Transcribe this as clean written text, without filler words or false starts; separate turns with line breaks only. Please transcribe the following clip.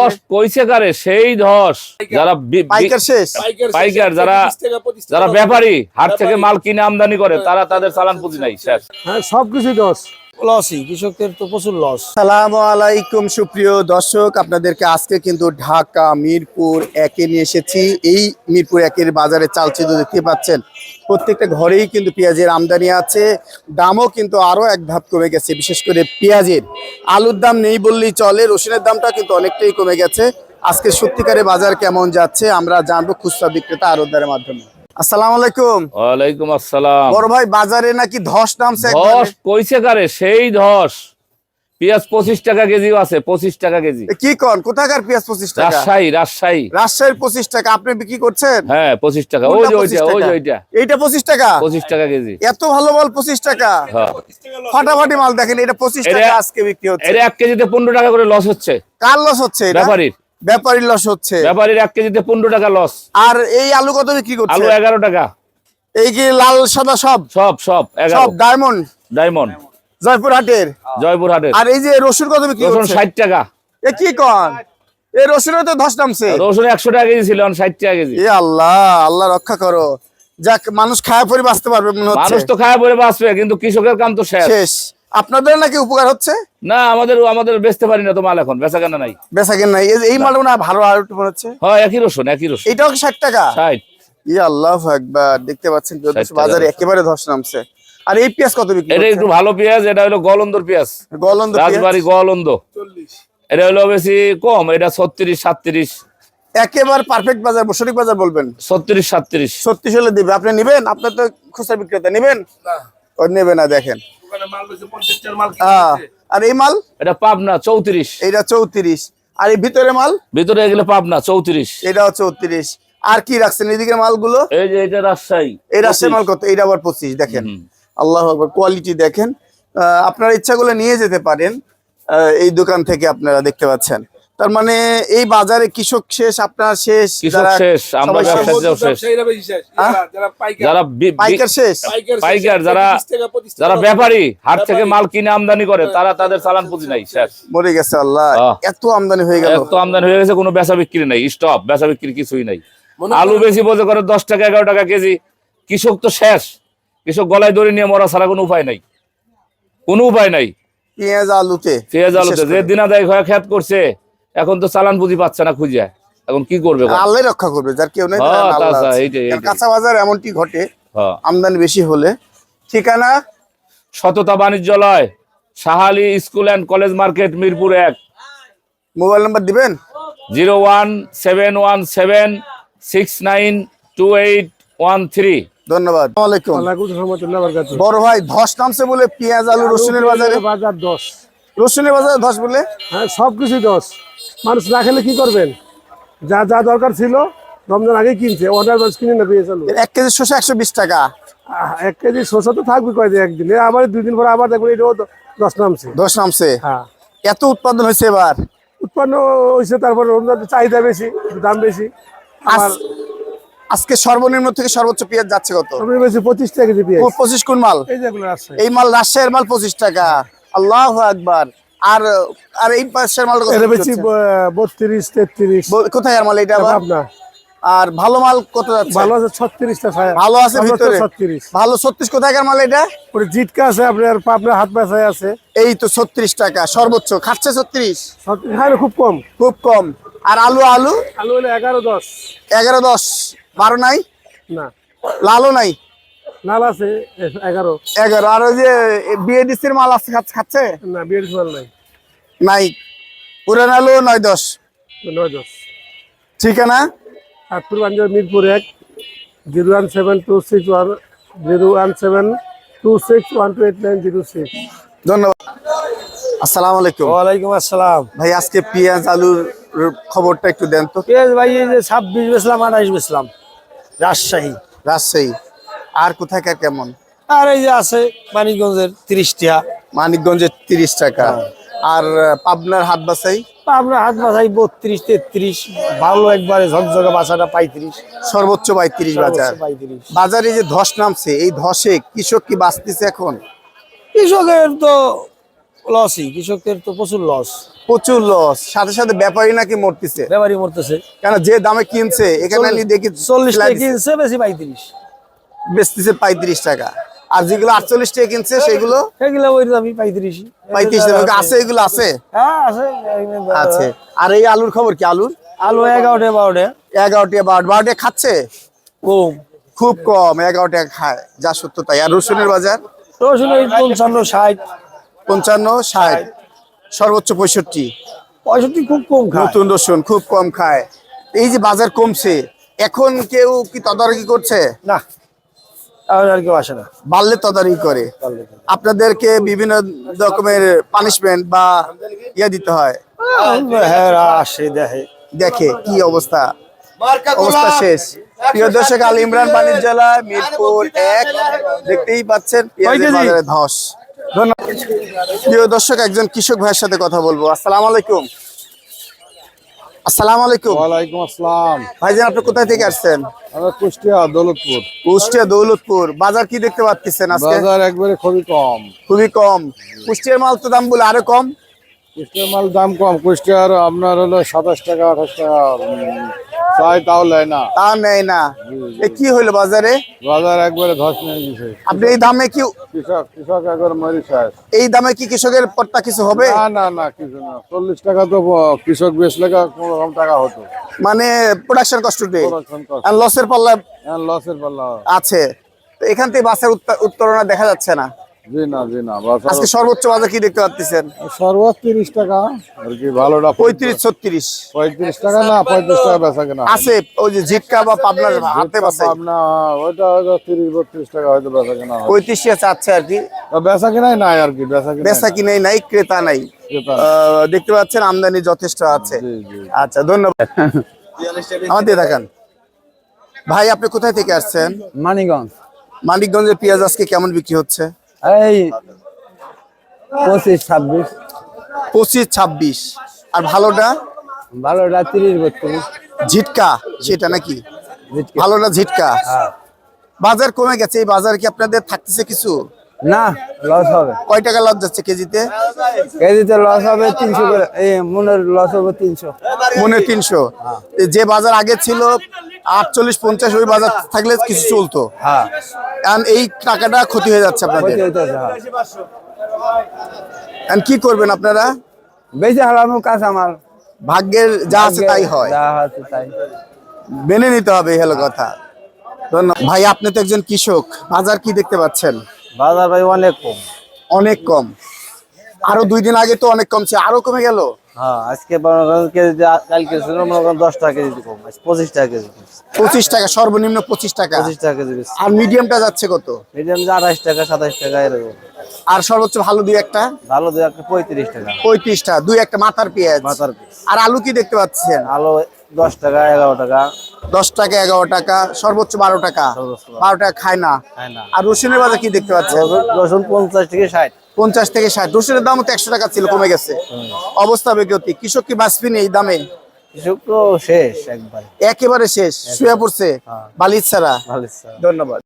ধস কইছে কারে সেই ধস যারা
পাইকার শেষ,
পাইকার যারা যারা ব্যাপারী হাট থেকে মাল কিনে আমদানি করে তারা তাদের চালান পুঁজি নাই শেষ।
হ্যাঁ সবকিছু দশ লসই, কৃষকদের তো প্রচুর লস।
আসসালামু আলাইকুম সুপ্রিয় দর্শক, আপনাদেরকে আজকে কিন্তু ঢাকা মিরপুর একে নিয়ে এসেছি। এই মিরপুর একের বাজারে চালচিত্র দেখতে পাচ্ছেন, প্রত্যেকটা ঘরেই কিন্তু পেঁয়াজের আমদানি আছে, দামও কিন্তু আরো এক ধাপ কমে গেছে। বিশেষ করে পেঁয়াজের, আলুর দাম নেই বললেই চলে, রসুনের দামটা কিন্তু অনেকটাই কমে গেছে। আজকে সত্যিকারে বাজার কেমন যাচ্ছে আমরা জানবো খুচরা বিক্রেতা আড়তদারের মাধ্যমে। আসসালামু আলাইকুম।
ওয়ালাইকুম আসসালাম।
বড় ভাই, বাজারে নাকি ধস নামছে?
ধস কইছে কারে সেই ধস। পেঁয়াজ 25 টাকা কেজি আছে, 25 টাকা কেজি।
কি কোন, কোথাকার পেঁয়াজ 25 টাকা?
রাজশাহী
রাজশাহীর 25 টাকা আপনি বিক্রি করছেন?
হ্যাঁ 25 টাকা। ওই যে ওইটা
এইটা 25 টাকা,
25 টাকা কেজি।
এত ভালো মাল 25 টাকা,
হ্যাঁ
ফাটাফাটি মাল। দেখেন এটা 25 টাকা আজকে বিক্রি হচ্ছে।
এর 1 কেজিতে 15 টাকা করে লস হচ্ছে।
কার লস হচ্ছে?
ব্যাপারীর।
ব্যাপারীর লস হচ্ছে।
ব্যাপারীর 1 কেজিতে 15 টাকা লস।
আর এই আলু কত বিক্রি করছে?
আলু 11 টাকা।
এই কি লাল সাদা সব?
সব 11।
সব ডায়মন্ড জয়পুরহাটের।
জয়পুরহাটের।
আর এই যে রসুন কত বিক্রি
রসুন
করছে?
60 টাকা।
এ কি কোন, এই রসুনের তো ধস নামছে।
রসুন 100 টাকা কেজি ছিল, 60 টাকা কেজি।
এ আল্লাহ, আল্লাহ রক্ষা করো। যাক, মানুষ খায়া পরে বাঁচতে পারবে মনে হচ্ছে।
মানুষ তো খায়া পরে বাঁচবে, কিন্তু কৃষকের কাম তো শেষ।
আপনাদের নাকি উপকার হচ্ছে?
না, আমাদের বেচতে পারি না তো মাল, এখন বেচা কেনা নাই।
বেচা কেন নাই? এই মালটা না ভালো আর একটু মনে হচ্ছে।
হ্যাঁ একই রসুন।
এটাও কি 60 টাকা?
60।
ইয়া আল্লাহু আকবার, দেখতে পাচ্ছেন বাজারে একেবারে ধস নামছে। আর এই পেঁয়াজ কত বিক্রি?
এটা একটু ভালো পেঁয়াজ, এটা হলো গলন্দর পেঁয়াজ,
গলন্দ
রাজবাড়ি গলন্দ 40। এটা হলো বেশি কম, এটা 36 37।
একেবারে পারফেক্ট বাজার, সঠিক বাজার বলবেন।
36 37।
36 হলে দিবে। আপনি নেবেন? আপনার তো খুচরা বিক্রেতা, নেবেন না? ও নেবে না। দেখেন আর এই মাল,
এটা পাবনা 34।
এইটা 34। আর এই ভিতরে মাল,
ভিতরে এগুলো পাবনা 34।
এটাও 34। আর কি রাখছেন এদিকে মালগুলো?
এই যে এটা রাজশাহী।
এই রাজশাহী মাল কত? এইটা আবার 25। দেখেন, আল্লাহু আকবার, কোয়ালিটি দেখেন। আপনারা ইচ্ছা করলে নিয়ে যেতে পারেন এই দোকান থেকে। আপনারা দেখতে পাচ্ছেন, তার মানে এই বাজারে কৃষক শেষ, আপনার শেষ,
কৃষক শেষ, আমরা ব্যবসায়ীরাও শেষ। যারা
পাইকার শেষ,
পাইকার যারা ব্যাপারী হাট থেকে মাল কিনে আমদানি করে তারা তাদের চালান পুঁজি নাই, শেষ।
মরে গেছে। আল্লাহ, এত আমদানি হয়ে গেল।
এত আমদানি হয়ে গেছে, কোনো বেচা বিক্রি নাই, স্টপ, বেচা বিক্রি কিছুই নাই। আলু বেশি বোঝে করে 10 টাকা 11 টাকা কেজি। কৃষক তো শেষ, কৃষক গলায় দড়ি নিয়ে মরা ছাড়া কোনো উপায় নাই, কোনো উপায় নাই।
পেঁয়াজ আলুতে
যে দিনাদায়ক হয়ে খেত করছে, এখন তো চালান পুঁজি পাচ্ছে না খুঁজে, এখন কি করবে?
আল্লাহ রক্ষা করবে, যার কেউ নেই। কাঁচা বাজার এমনটি ঘটে আমদানি বেশি হলে। ঠিকানা
সততা বাণিজ্যালয়, Sahali school and college market, Mirpur 1।
Mobile number দিবেন?
01717692813।
ধন্যবাদ। বড় ভাই, ধস নামছে বলে পেঁয়াজ আলু রসুনের বাজারে?
বাজার দশ,
রসুনের বাজারে ধস বলে?
হ্যাঁ সবকিছু দশ। মানুষ না খেলে কি করবেন? যা যা দরকার ছিল রমজান আগেই কিনছে, অর্ডার মানুষ কিনে না পেঁয়াজ আলু।
1 কেজি শসা 120 টাকা।
1 কেজি শসা তো থাকবে কয়দিন, একদিন আবার 2 দিন পরে আবার দেখবেন এটাও দশ নামছে।
ধস নামছে।
হ্যাঁ,
এত উৎপাদন হয়েছে এবার।
উৎপন্ন হয়েছে, তারপর রমজান চাহিদা বেশি, দাম বেশি।
আজকে সর্বনিম্ন থেকে সর্বোচ্চ পেঁয়াজ যাচ্ছে কত?
25 টাকা কেজি পেঁয়াজ।
25 কোন মাল? এই মাল রাজশাহীর মাল 25 টাকা। আল্লাহু আকবার। আর আর এই পাশের মাল কত?
32 33।
কোথায় আর মাল এটা? আর ভালো মাল কত যাচ্ছে?
ভালো আছে 36 টাকা।
ভালো আছে ভিতরে
36।
ভালো 36 কোথাকার মাল এটা?
ওরে জিটকা আছে আপনার, পাবনা হাত বাসায় আছে।
এই তো 36 টাকা সর্বোচ্চ খাচ্ছে। 36
হ্যাঁ, খুব কম,
খুব কম। আর আলু
আলু হলো 11 10।
11 10 12 নাই
না,
লালও নাই।
লাল আছে 11।
আর ওই যে বিএডিসির মাল আছে, খাচ্ছে
না, বিএডিসি মাল
নাই। পুরান আলু 9 10।
9 10।
ঠিকানা
মিরপুর 1, 01726101726128906। ধন্যবাদ।
আসসালামু আলাইকুম।
ওয়ালাইকুম আসসালাম।
ভাই, আজকে পেঁয়াজ আলুর খবরটা একটু দেন তো।
পেঁয়াজ ভাই এই যে 26 বেচলাম, 28 বেচলাম রাজশাহী।
আর কোথাকার কেমন?
আর এই যে আছে মানিকগঞ্জের 30 টাকা।
মানিকগঞ্জের 30 টাকা। আর পাবনার হাট বাছাই?
পাবনার হাট বাছাই 32 33। ভালো একবারে ঝকঝকে বাছাটা 35।
সর্বোচ্চ 35 বাজার। বাজারে যে ধস নামছে, এই ধসে কৃষক কি বাঁচতেছে এখন?
কৃষকের তো
লসই, কৃষকদের তো প্রচুর লস।
প্রচুর লস, সাথে সাথে ব্যাপারী নাকি মরতেছে,
ব্যাপারী মরতেছে।
কেন যে দামে কিনছে এখানে আমি দেখি
40 টাকা কিনছে, বেশি 35,
বেচতেছে 35 টাকা, আর যেগুলো 48 টাকা কিনছে সেগুলো
এগুলো ওই দামই 35।
35 টাকা আছে, এগুলো আছে
হ্যাঁ আছে।
আছে। আর এই আলুর খবর কি? আলুর
আলু 11 টাকা 12 টাকা
11 টাকা 12 টাকা খাচ্ছে,
কম।
খুব কম, 11 টাকা খায়, যা সত্য তাই। আর রসুনের বাজার
রসুন ওই 55 60,
55 60, সর্বোচ্চ 65।
65 খুব কম খায়।
নতুন রসুন খুব কম খায়। এই যে বাজার কমছে, এখন কেউ কি তদারকি করছে?
না, আর কেউ আসে না।
বাড়লে তদারকি করে, আপনাদেরকে বিভিন্ন রকমের পানিশমেন্ট বা দিতে হয়,
হ্যাঁ আসে দেখে।
দেখে কি অবস্থা, অবস্থা শেষ। প্রিয় দর্শক, আল ইমরান বাণিজ্যালয়, মিরপুর 1, দেখতেই পাচ্ছেন পেঁয়াজের বাজারে ধস। ধন্যবাদ। প্রিয় দর্শক, একজন কৃষক ভাইয়ের সাথে কথা বলবো। আসসালামু আলাইকুম। আসসালামু আলাইকুম।
ওয়ালাইকুম আসসালাম।
ভাইজান, আপনি কোথায় থেকে আসছেন?
আমরা কুষ্টিয়া দৌলতপুর।
কুষ্টিয়া দৌলতপুর। বাজার কি দেখতে পাচ্ছেন আজকে?
বাজার একবারে খুবই কম।
খুবই কম। কুষ্টিয়ার মাল তো দাম বলে আরো কম।
কুষ্টিয়ার মাল দাম কম। কুষ্টিয়ার আপনার হলো 27 টাকা 28 টাকা চাই, তাও নেয় না।
তা নেয় না। এ কি হইলো বাজারে?
বাজার একবারে ধস নিয়ে গেছে।
আপনি এই দামে কি,
কৃষক একবার মরি শেষ।
এই দামে কি কৃষকের পড়তা কিছু হবে?
না না না, কিছু না। 40 টাকা তো কৃষক বেচলে কোনো রকম টাকা হতো।
মানে প্রোডাকশন কষ্ট নেই,
Production cost।
আর লসের পাল্লা
লসের পাল্লা।
আছে। তো এখান থেকে বাসের উত্তরণা দেখা যাচ্ছে না।
জি না জি না, বাজার
আজকে সর্বোচ্চ বাজার কি দেখতে পাচ্ছেন?
সর্বোচ্চ 30 টাকা আর কি, ভালোটা
35 36
35 টাকা না, 35 টাকা বেচা কেনা
আছে। ওই যে জিটকা বা পাবনার হাতে বাসে
পাবনা, ওইটা হয়তো 30 32 টাকা হয়তো বেচা কেনা হয়।
35 চাচ্ছে আর কি।
বেচা কেনাই নাই আর কি, বেচা কেনা
বেচা কিনেই নাই, ক্রেতা নাই। দেখতে পাচ্ছেন আমদানি যথেষ্ট আছে।
জি জি।
আচ্ছা, ধন্যবাদ। আমাদের দেখান ভাই, আপনি কোথায় থেকে আসছেন?
মানিকগঞ্জ।
মানিকগঞ্জের পেঁয়াজ আজকে কেমন বিক্রি হচ্ছে?
এই 25 26।
25 26। আর ভালোটা?
ভালোটা 30 32।
ঝিটকা সেটা নাকি? ভালোটা ঝিটকা। বাজার কমে গেছে, এই বাজার কি আপনাদের থাকতেছে কিছু?
না, লস হবে।
কয় টাকা লাভ যাচ্ছে কেজিতে?
কেজিতে লস হবে 300 করে। এই মনের লস হবে 300।
মনে 300। যে বাজার আগে ছিল 48 50, ওই বাজার থাকলে কিছু চলতো।
হ্যাঁ,
এখন এই টাকাটা ক্ষতি হয়ে যাচ্ছে আপনাদের। এখন কি করবেন আপনারা?
বেশি হারানো কাজ আমার।
ভাগ্যের যা আছে তাই হয়,
যা আছে তাই
মেনে নিতে হবে, এই হলো কথা। ধন্যবাদ ভাই, আপনি তো একজন কৃষক, বাজার কি দেখতে পাচ্ছেন?
বাজার ভাই অনেক কম।
অনেক কম। আরো 2 দিন আগে তো অনেক কম ছিল, আরো কমে গেল।
হ্যাঁ, আজকে কেজি, কালকে ছিল মনে করেন 10 টাকা কেজি কম, আজ 25 টাকা কেজি।
25 টাকা সর্বনিম্ন, 25 টাকা।
25 টাকা কেজি বেশি।
আর মিডিয়ামটা যাচ্ছে কত?
মিডিয়াম 28 টাকা 27 টাকা এরকম।
আর সর্বোচ্চ ভালো দুই একটা?
ভালো দুই একটা 35 টাকা
35 টাকা, দুই একটা মাথার পেঁয়াজ।
মাথার পিস।
আর আলু কি দেখতে পাচ্ছেন?
আলু 10 টাকা 11 টাকা।
10 টাকা 11 টাকা, সর্বোচ্চ 12 টাকা।
সর্বোচ্চ
12 টাকা খায় না।
খায় না।
আর রসুনের বাজার কি দেখতে পাচ্ছেন?
রসুন 50 থেকে 60।
50 থেকে 60। রসুনের দাম তো 100 টাকা ছিল, কমে গেছে। অবস্থা বেগতি। কৃষক কি বাঁচবি না এই দামে?
কৃষক তো শেষ একবার।
একেবারে শেষ, শুয়ে পড়ছে বালিশ ছাড়া।
ভালো।
ধন্যবাদ।